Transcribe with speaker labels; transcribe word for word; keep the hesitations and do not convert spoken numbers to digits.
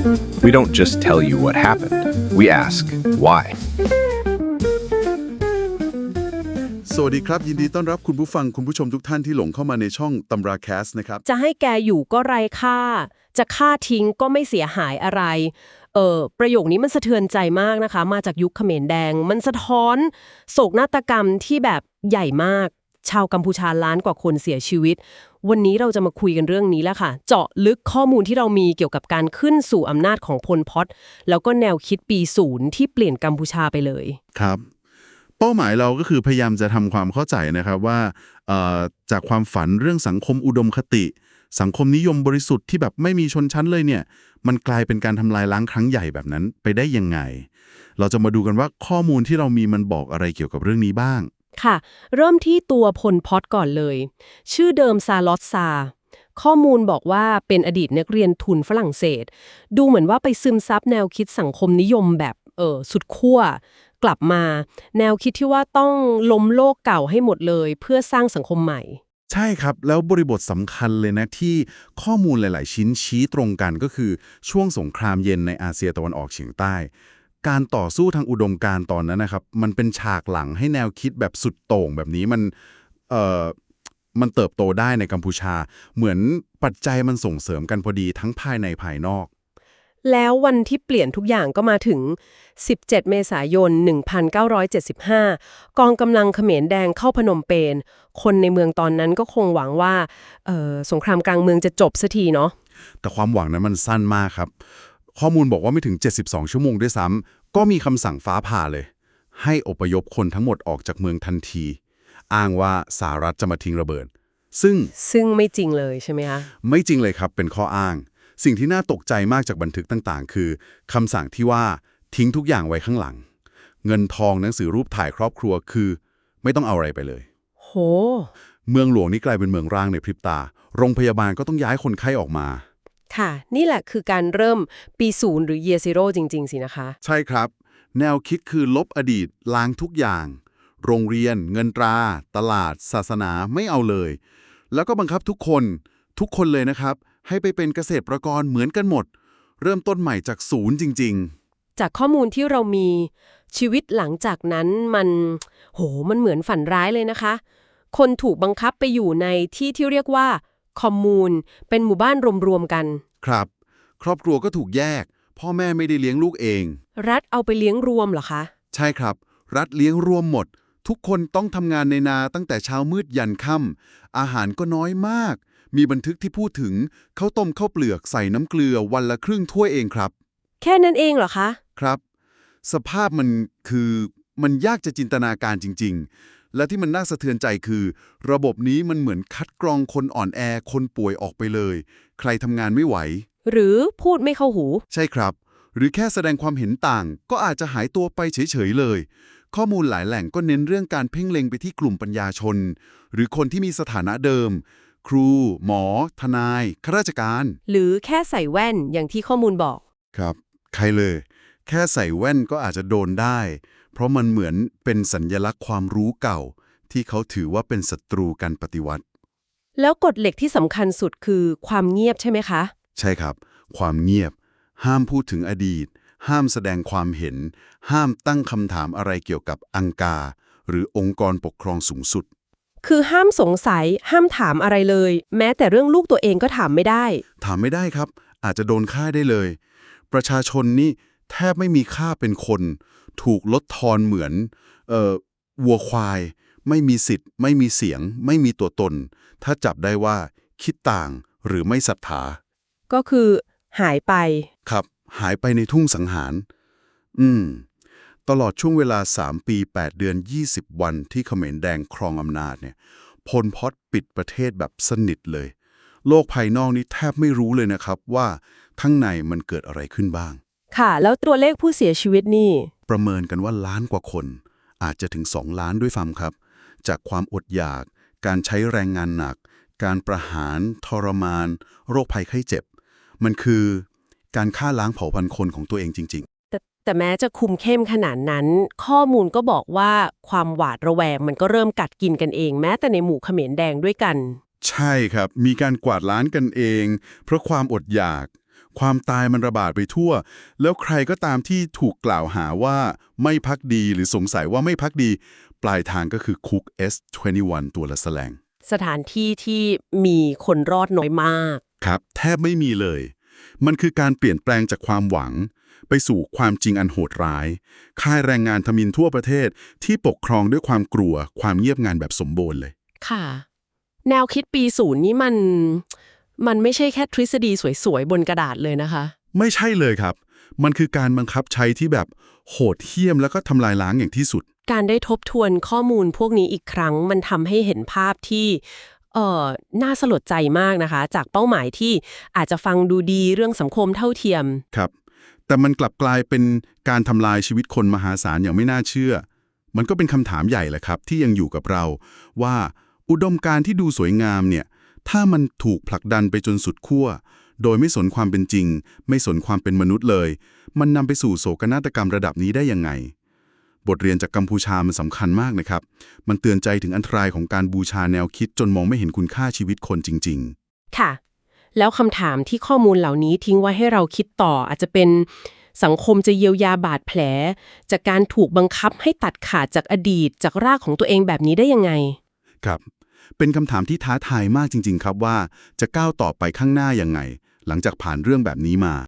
Speaker 1: We don't just tell you what happened. We ask why.
Speaker 2: สวัสดีครับยินดีต้อนรับคุณผู้ฟังคุณผู้ชมทุกท่านที่หลงเข้ามาในช่องตำราแคสนะครับ
Speaker 3: จะให้แกอยู่ก็ไร้ค่าจะฆ่าทิ้งก็ไม่เสียหายอะไรเออประโยคนี้มันสะเทือนใจมากนะคะมาจากยุคเขมรแดงมันสะท้อนโศกนาฏกรรมที่แบบใหญ่มากชาวกัมพูชาล้านกว่าคนเสียชีวิตวันนี้เราจะมาคุยกันเรื่องนี้แล้วค่ะเจาะลึกข้อมูลที่เรามีเกี่ยวกับการขึ้นสู่อำนาจของพลพอตแล้วก็แนวคิดปีศูนย์ที่เปลี่ยนกัมพูชาไปเลย
Speaker 2: ครับเป้าหมายเราก็คือพยายามจะทำความเข้าใจนะครับว่าจากความฝันเรื่องสังคมอุดมคติสังคมนิยมบริสุทธิ์ที่แบบไม่มีชนชั้นเลยเนี่ยมันกลายเป็นการทำลายล้างครั้งใหญ่แบบนั้นไปได้ยังไงเราจะมาดูกันว่าข้อมูลที่เรามีมันบอกอะไรเกี่ยวกับเรื่องนี้บ้าง
Speaker 3: ค่ะเริ่มที่ตัวพลพอตก่อนเลยชื่อเดิมซาลอตซาข้อมูลบอกว่าเป็นอดีตนักเรียนทุนฝรั่งเศสดูเหมือนว่าไปซึมซับแนวคิดสังคมนิยมแบบเออสุดขั้วกลับมาแนวคิดที่ว่าต้องล้มโลกเก่าให้หมดเลยเพื่อสร้างสังคมใหม่
Speaker 2: ใช่ครับแล้วบริบทสำคัญเลยนะที่ข้อมูลหลายๆชิ้นชี้ตรงกันก็คือช่วงสงครามเย็นในอาเซียตะวันออกเฉียงใต้การต่อสู้ทางอุดมการณ์ตอนนั้นนะครับมันเป็นฉากหลังให้แนวคิดแบบสุดโต่งแบบนี้มันเอ่อมันเติบโตได้ในกัมพูชาเหมือนปัจจัยมันส่งเสริมกันพอดีทั้งภายในภายนอก
Speaker 3: แล้ววันที่เปลี่ยนทุกอย่างก็มาถึงสิบเจ็ดเมษายนหนึ่งพันเก้าร้อยเจ็ดสิบห้ากองกำลังเขมรแดงเข้าพนมเปญคนในเมืองตอนนั้นก็คงหวังว่าเอ่อสงครามกลางเมืองจะจบสักทีเนาะ
Speaker 2: แต่ความหวังนั้นมันสั้นมากครับข้อมูลบอกว่าไม่ถึงเจ็ดสิบสองชั่วโมงด้วยซ้ำก็มีคำสั่งฟ้าผ่าเลยให้อพยพคนทั้งหมดออกจากเมืองทันทีอ้างว่าสหรัฐจะมาทิ้งระเบิดซึ่ง
Speaker 3: ซึ่งไม่จริงเลยใช่ไหมคะ
Speaker 2: ไม่จริงเลยครับเป็นข้ออ้างสิ่งที่น่าตกใจมากจากบันทึกต่างๆคือคำสั่งที่ว่าทิ้งทุกอย่างไว้ข้างหลังเงินทองหนังสือรูปถ่ายครอบครัวคือไม่ต้องเอาอะไรไปเลย
Speaker 3: โห
Speaker 2: เมืองหลวงนี่กลายเป็นเมืองร้างในพริบตาโรงพยาบาลก็ต้องย้ายคนไข้ออกมา
Speaker 3: ค่ะนี่แหละคือการเริ่มปีศูนย์หรือ Year Zero จริงๆสินะคะ
Speaker 2: ใช่ครับแนวคิดคือลบอดีตล้างทุกอย่างโรงเรียนเงินตราตลาดศาสนาไม่เอาเลยแล้วก็บังคับทุกคนทุกคนเลยนะครับให้ไปเป็นเกษตรกรเหมือนกันหมดเริ่มต้นใหม่จากศูนย์จริง
Speaker 3: ๆจากข้อมูลที่เรามีชีวิตหลังจากนั้นมันโหมันเหมือนฝันร้ายเลยนะคะคนถูกบังคับไปอยู่ในที่ที่เรียกว่าคอมมูนเป็นหมู่บ้านรวมๆกัน
Speaker 2: ครับครอบครัวก็ถูกแยกพ่อแม่ไม่ได้เลี้ยงลูกเอง
Speaker 3: รัฐเอาไปเลี้ยงรวมเหรอคะ
Speaker 2: ใช่ครับรัฐเลี้ยงรวมหมดทุกคนต้องทำงานในนาตั้งแต่เช้ามืดยันค่ำอาหารก็น้อยมากมีบันทึกที่พูดถึงข้าวต้มข้าวเปลือกใส่น้ำเกลือวันละครึ่งถ้วยเองครับ
Speaker 3: แค่นั้นเองเหรอคะ
Speaker 2: ครับสภาพมันคือมันยากจะจินตนาการจริงๆและที่มันน่าสะเทือนใจคือระบบนี้มันเหมือนคัดกรองคนอ่อนแอคนป่วยออกไปเลยใครทำงานไม่ไหว
Speaker 3: หรือพูดไม่เข้าหู
Speaker 2: ใช่ครับหรือแค่แสดงความเห็นต่างก็อาจจะหายตัวไปเฉยๆเลยข้อมูลหลายแหล่งก็เน้นเรื่องการเพ่งเล็งไปที่กลุ่มปัญญาชนหรือคนที่มีสถานะเดิมครูหมอทนายข้าราชการ
Speaker 3: หรือแค่ใส่แว่นอย่างที่ข้อมูลบอก
Speaker 2: ครับใครเลยแค่ใส่แว่นก็อาจจะโดนได้เพราะมันเหมือนเป็นสัญลักษณ์ความรู้เก่าที่เขาถือว่าเป็นศัตรูการปฏิวัติ
Speaker 3: แล้วกฎเหล็กที่สำคัญสุดคือความเงียบใช่ไหมคะ
Speaker 2: ใช่ครับความเงียบห้ามพูดถึงอดีตห้ามแสดงความเห็นห้ามตั้งคำถามอะไรเกี่ยวกับอังกาหรือองค์กรปกครองสูงสุด
Speaker 3: คือห้ามสงสัยห้ามถามอะไรเลยแม้แต่เรื่องลูกตัวเองก็ถามไม่ได้
Speaker 2: ถามไม่ได้ครับอาจจะโดนฆ่าได้เลยประชาชนนี่แทบไม่มีค่าเป็นคนถูกลดทอนเหมือนเอ่อวัวควายไม่มีสิทธิ์ไม่มีเสียงไม่มีตัวตนถ้าจับได้ว่าคิดต่างหรือไม่ศรัทธา
Speaker 3: ก็คือหายไป
Speaker 2: ครับหายไปในทุ่งสังหารอืมตลอดช่วงเวลาสามปีแปดเดือนยี่สิบวันที่เขมรแดงครองอำนาจเนี่ยพลพอตปิดประเทศแบบสนิทเลยโลกภายนอกนี่แทบไม่รู้เลยนะครับว่าข้างในมันเกิดอะไรขึ้นบ้าง
Speaker 3: ค่ะแล้วตัวเลขผู้เสียชีวิตนี่
Speaker 2: ประเมินกันว่าล้านกว่าคนอาจจะถึงสองล้านด้วยซ้ำครับจากความอดอยากการใช้แรงงานหนักการประหารทรมานโรคภัยไข้เจ็บมันคือการฆ่าล้างเผ่าพันธุ์คนของตัวเองจริงๆ
Speaker 3: แต่แต่แม้จะคุมเข้มขนาดนั้นข้อมูลก็บอกว่าความหวาดระแวงมันก็เริ่มกัดกินกันเองแม้แต่ในหมู่เขมรแดงด้วยกัน
Speaker 2: ใช่ครับมีการกวาดล้างกันเองเพราะความอดอยากความตายมันระบาดไปทั่ว แล้วใครก็ตามที่ถูกกล่าวหาว่าไม่ภักดีหรือสงสัยว่าไม่ภักดี ปลายทางก็คือคุก เอส ยี่สิบเอ็ด ตัวละแสลง
Speaker 3: สถานที่ที่มีคนรอดน้อยมาก
Speaker 2: ครับแทบไม่มีเลย มันคือการเปลี่ยนแปลงจากความหวัง ไปสู่ความจริงอันโหดร้าย ค่ายแรงงานทมิฬทั่วประเทศที่ปกครองด้วยความกลัวความเงียบงันแบบสมบูรณ์เลย
Speaker 3: ค่ะ แนวคิดปีศูนย์นี่มัน มันไม่ใช่แค่ทฤษฎีสวยๆบนกระดาษเลยนะคะ
Speaker 2: ไม่ใช่เลยครับ มันคือการบังคับใช้ที่แบบโหดเหี้ยมแล้วก็ทำลายล้างอย่างที่สุด
Speaker 3: การได้ทบทวนข้อมูลพวกนี้อีกครั้งมันทำให้เห็นภาพที่เอ่อน่าสลดใจมากนะคะ จากเป้าหมายที่อาจจะฟังดูดีเรื่องสังคมเท่าเทียม
Speaker 2: ครับ แต่มันกลับกลายเป็นการทำลายชีวิตคนมหาศาลอย่างไม่น่าเชื่อ มันก็เป็นคำถามใหญ่แหละครับที่ยังอยู่กับเรา ว่าอุดมการณ์ที่ดูสวยงามเนี่ยถ้ามันถูกผลักดันไปจนสุดขั้วโดยไม่สนความเป็นจริง ไม่สนความเป็นมนุษย์เลย มันนำไปสู่โศกนาฏกรรมระดับนี้ได้ยังไง บทเรียนจากกัมพูชามันสำคัญมากนะครับ มันเตือนใจถึงอันตรายของการบูชาแนวคิดจนมองไม่เห็นคุณค่าชีวิตคนจริงๆ
Speaker 3: ค่ะ แล้วคำถามที่ข้อมูลเหล่านี้ทิ้งไว้ให้เราคิดต่ออาจจะเป็นสังคมจะเยียวยาบาดแผลจากการถูกบังคับให้ตัดขาดจากอดีตจากรากของตัวเองแบบนี้ได้ยังไง
Speaker 2: ครับ เป็นคำถามที่ท้าทายมากจริงๆครับว่าจะก้าวต่อไปข้างหน้ายังไง หลังจากผ่านเรื่องแบบนี้มา